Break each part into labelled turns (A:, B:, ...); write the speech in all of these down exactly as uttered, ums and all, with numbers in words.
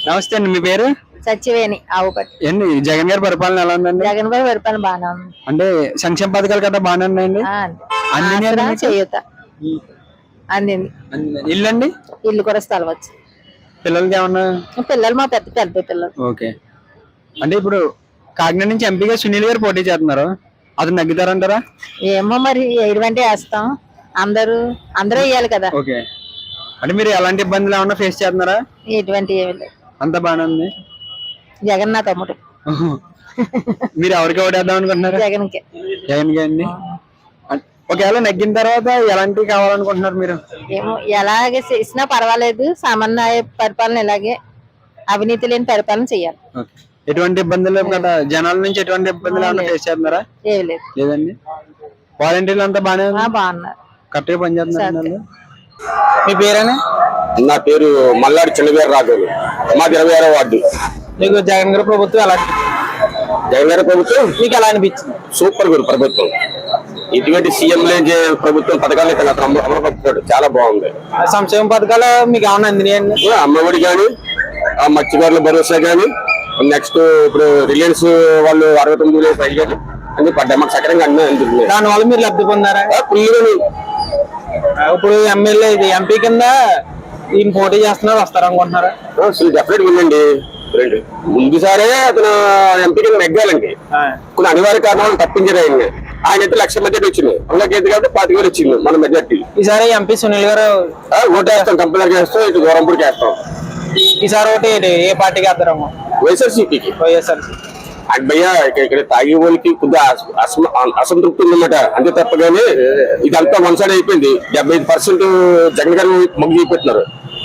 A: నమస్తే అండి, మీ పేరు?
B: సత్యవేణి ఆవుపట్టి.
A: ఏంటి జగన్ గారి పరిపాలన ఎలా ఉందండి?
B: జగన్ గారి పరిపాలన బాగానే ఉంది.
A: అంటే సంక్షేమ పథకాలు కదా బాగానే ఉన్నాయండి?
B: చేయూత అందింది.
A: ఇల్లు అండి?
B: ఇల్లు కూడా స్థలం వచ్చి
A: పిల్లలకి ఏమన్నా?
B: పిల్లలు మా పెద్ద పెద్ద పిల్లలు.
A: ఓకే. అంటే ఇప్పుడు కాకినాడ నుంచి ఎంపీగా సునీల్ గారు పోటీ చేస్తున్నారు, అతను నగ్గుతారంటారా?
B: ఏమో మరి ఎటువంటి వేస్తాం, అందరూ అందరూ వేయాలి కదా.
A: ఓకే. అంటే మీరు ఎలాంటి ఇబ్బందులు ఏమన్నా ఫేస్ చేస్తున్నారా?
B: ఎటువంటి ఏమి లేదు,
A: అంత బాగానే ఉంది.
B: జగన్ నా తమ్ముడు.
A: మీరు ఎవరికి ఓటేద్దాం అనుకుంటున్నారు?
B: జగన్ కి.
A: జగన్ కి అండి. ఒకవేళ నెగ్గిన తర్వాత ఎలాంటివి కావాలనుకుంటున్నారు మీరు?
B: ఏమో ఎలాగే చేసినా పర్వాలేదు, సామాన్య పరిపాలన ఇలాగే అవినీతి లేని పరిపాలన చేయాలి.
A: ఎటువంటి ఇబ్బందులు కదా, జనాల నుంచి ఎటువంటి ఇబ్బందులు ఏమన్నా ఫేస్ చేస్తున్నారా?
B: ఏమి లేదు.
A: లేదండి. వాలంటీర్లు అంతా బాగానే
B: బాగున్నారు,
A: కరెక్ట్గా పనిచేస్తున్నారు. మీ పేరేనా?
C: నా పేరు మల్లాడి చిన్నగారు రాఘవులు, మాది ఇరవై ఆరో వార్డు.
A: మీకు జగన్ గారి ప్రభుత్వం ఎలా?
C: జగన్ గారి ప్రభుత్వం
A: మీకు ఎలా అనిపించింది?
C: సూపర్ గురు ప్రభుత్వం. ఇటువంటి సీఎం ప్రభుత్వం పథకాలు అమలుపరుస్తాడు, చాలా బాగుంది.
A: సంక్షేమ పథకాలు మీకు ఏమన్నా అందినాయండి?
C: అమ్మఒడి కానీ, మత్స్యకారుల భరోసా కానీ, నెక్స్ట్ ఇప్పుడు రిలయన్స్ వాళ్ళు అరవై తొమ్మిది వేలు పై కానీ అన్ని పడ్డాయి, మాకు సకరంగా అన్నీ అందుతున్నాయి.
A: దానివల్ల మీరు లబ్ధి పొందారా?
C: ఫుల్గా.
A: ఇప్పుడు ఎమ్మెల్యే ఇది ఎంపీ కింద ఈయన పోటీ చేస్తున్నారు, వస్తారు అనుకుంటున్నారా?
C: డెఫినెట్ ఉందండి. ముందుసారే అతను ఎంపీ కింద నెగ్గాలండి, కొన్ని అనివార్య కారణాలు తప్పించారు ఆయన. ఆయన అయితే లక్ష మెజార్టీ వచ్చింది, అందులోకి కాబట్టి పాతిక వేలు వచ్చింది మన మెజార్టీ.
A: ఈసారి ఎంపీ సునీల్ గారు
C: ఓటు వేస్తాం, కంపల్సరీ వేస్తాం. ఇటు గోరంపూడికి వేస్తాం.
A: ఈసారి ఒకటి ఏ పార్టీకి వేస్తారేమో?
C: వైఎస్ఆర్సీపీకి.
A: వైఎస్ఆర్సీ
C: భయ్యా ఇక్కడ తాగే వాళ్ళకి కొద్దిగా అసంతృప్తి ఉందన్నమాట, అంతే తప్పగానే ఇదంతా వన్ సైడ్ అయిపోయింది. డెబ్బై ఐదు పర్సెంట్ జగన్ గారు మొగ్గు చూపెట్టినారు.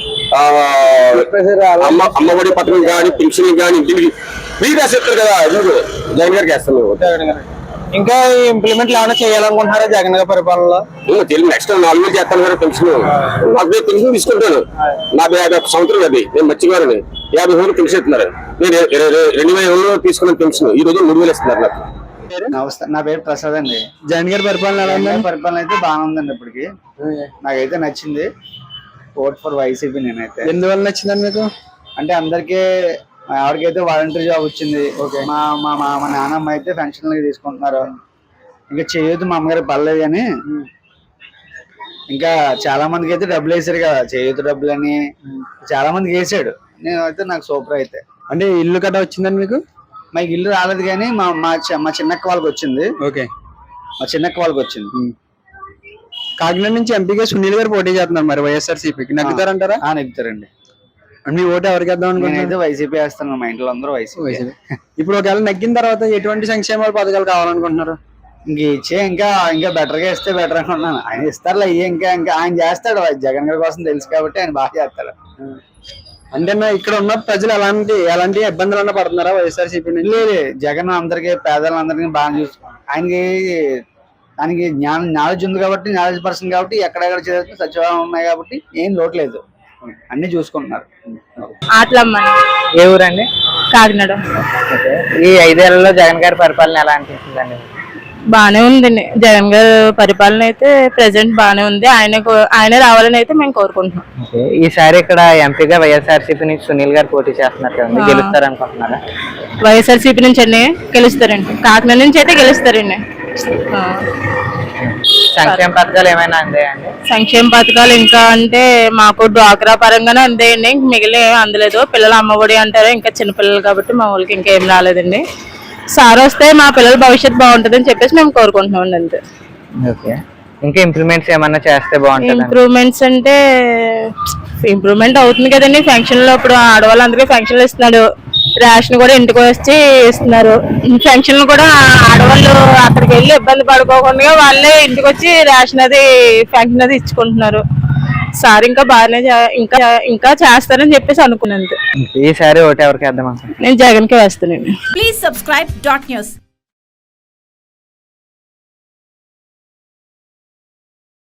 C: అమ్మ అమ్మఒడి పథకం కానీ, పెన్షన్ కానీ, ఇంటికి ఫ్రీ రాసేస్తారు కదా, జగన్ గారికి వేస్తాం.
A: ఇంకా ఇంప్లిమెంట్ ఏమైనా చేయాలనుకుంటున్నారా జగన్ గారి పరిపాలనలో?
C: నెక్స్ట్ నాలుగు వేలు చేస్తాను కదా పెన్షన్. నాకు పెన్షన్ తీసుకుంటాను, నా యాభై ఒక సంవత్సరం అది, నేను మర్చిపోయాను. యాభై వేలు పెన్షన్ ఇస్తున్నారు, నేను రెండు వేల ఏళ్ళు తీసుకున్న పెన్షన్ ఈ రోజు మూడు వేలు ఇస్తున్నారు నాకు.
D: నమస్తే, నా పేరు ప్రసాద్ అండి.
A: జగన్ గారి పరిపాలన ఎలా ఉంది?
D: పరిపాలన అయితే బాగానే ఉందండి, ఇప్పటికి నాకైతే నచ్చింది. Vote for YCP. నేనైతే
A: ఎందువల్ల నచ్చిందండి మీకు?
D: అంటే అందరికీ ఎవరికైతే వాలంటీర్ జాబ్ వచ్చింది, మా మా మా నాన్నమ్మ అయితే పెన్షన్ తీసుకుంటున్నారు. ఇంకా చేయొద్దు మా అమ్మగారు పర్లేదు కానీ, ఇంకా చాలా మందికి అయితే డబ్బులు వేసారు కదా, చేయొద్దు డబ్బులు అని చాలా మందికి వేసాడు. నేనైతే నాకు సూపర్. అయితే
A: అంటే ఇల్లు కట్ట వచ్చిందండి మీకు?
D: మాకు ఇల్లు రాలేదు కానీ మా మా చిన్నక్క వాళ్ళకి వచ్చింది.
A: ఓకే,
D: మా చిన్నక్క వాళ్ళకి వచ్చింది.
A: కాకినాడ నుంచి ఎంపీగా సునీల్ గారు పోటీ చేస్తున్నారు, మరి వైఎస్ఆర్సీపీకి నెగ్గుతారంటారా?
D: నెగ్గుతారండి.
A: మీ ఓటు ఎవరికి వేద్దాం అనుకుంటున్నారు?
D: నేనైతే వైసీపీ వేస్తాను, మా ఇంట్లో అందరూ వైసీపీ.
A: ఇప్పుడు ఒకవేళ నెగ్గిన తర్వాత ఎటువంటి సంక్షేమ పథకాలు కావాలనుకుంటున్నారు?
D: ఇంక ఇచ్చే ఇంకా ఇంకా బెటర్ గా ఇస్తే బెటర్ అనుకుంటున్నాను. ఆయన ఇస్తారులే, ఇంకా ఇంకా ఆయన చేస్తాడు, జగన్ గారి కోసం తెలుసు కాబట్టి ఆయన బాగా చేస్తాడు.
A: అంటే ఇక్కడ ఉన్న ప్రజలు ఎలాంటి ఎలాంటి ఇబ్బందులు అన్నా పడుతున్నారా వైఎస్ఆర్సీపీ?
D: లేదు, జగన్ అందరికి పేదలందరికీ బాగా చూసు, ఆయనకి ఆయనకి జ్ఞానం నాలెడ్జ్ ఉంది కాబట్టి, నాలెడ్జ్ పర్సన్ కాబట్టి ఎక్కడెక్కడ చదివితే సచివాలయం ఉన్నాయి కాబట్టి ఏం లోటు లేదు, అన్ని చూసుకుంటున్నారు.
E: ఆట్లమ్మ.
A: ఏ ఊరండి?
E: కాకినాడ.
A: ఈ ఐదేళ్లలో జగన్ గారి పరిపాలన ఎలా అనిపిస్తుందండి?
E: బానే ఉందండి, జగన్ గారి పరిపాలన అయితే ప్రెసెంట్ బానే ఉంది. ఆయన ఆయన రావాలని అయితే మేము కోరుకుంటున్నాం.
A: ఈసారి ఇక్కడ ఎంపీగా వైఎస్ఆర్సీపీ నుంచి సునీల్ గారు పోటీ చేస్తున్నారు కదండి, గెలుస్తారు అనుకుంటున్నారా?
E: వైఎస్ఆర్సీపీ నుంచి అండి గెలుస్తారండి, కాకినాడ నుంచి అయితే గెలుస్తారండి.
A: సంక్షేమ పథకాలు ఏమైనా అందాయండి?
E: సంక్షేమ పథకాలు ఇంకా అంటే మాకు డ్వాక్రా పరంగానే అందాయండి, మిగిలిన ఏమి అందలేదు. పిల్లలు అమ్మఒడి అంటారు, ఇంకా చిన్నపిల్లలు కాబట్టి మా ఊళ్ళకి ఇంకేం రాలేదండి. సార్ వస్తే మా పిల్లల భవిష్యత్తు బాగుంటుంది అని చెప్పేసి మేము కోరుకుంటున్నాం అంతే.
A: ఓకే, ఇంకా ఇంప్రూవ్మెంట్స్ ఏమన్నా చేస్తే బాగుంటుంది?
E: ఇంప్రూవ్మెంట్స్ అంటే ఇంప్రూవ్మెంట్ అవుతుంది కదండి. ఫంక్షన్ లో ఇప్పుడు ఆడవాళ్ళందరికీ ఫంక్షన్లు ఇస్తున్నాడు, రేషన్ కూడా ఇంటికి వచ్చి ఇస్తున్నారు. ఫంక్షన్లు కూడా ఆడవాళ్ళు అక్కడికి వెళ్ళి ఇబ్బంది పడుకోకుండా వాళ్ళే ఇంటికి వచ్చి రేషన్ అది ఫంక్షన్ అది ఇచ్చుకుంటున్నారు. సార్ ఇంకా బాగానే ఇంకా ఇంకా చేస్తారని చెప్పేసి అనుకున్నాను.
A: ఈసారి ఓటు ఎవరికి వేద్దాం?
E: నేను జగన్ కి వేస్తానండి.
F: Please subscribe dot news.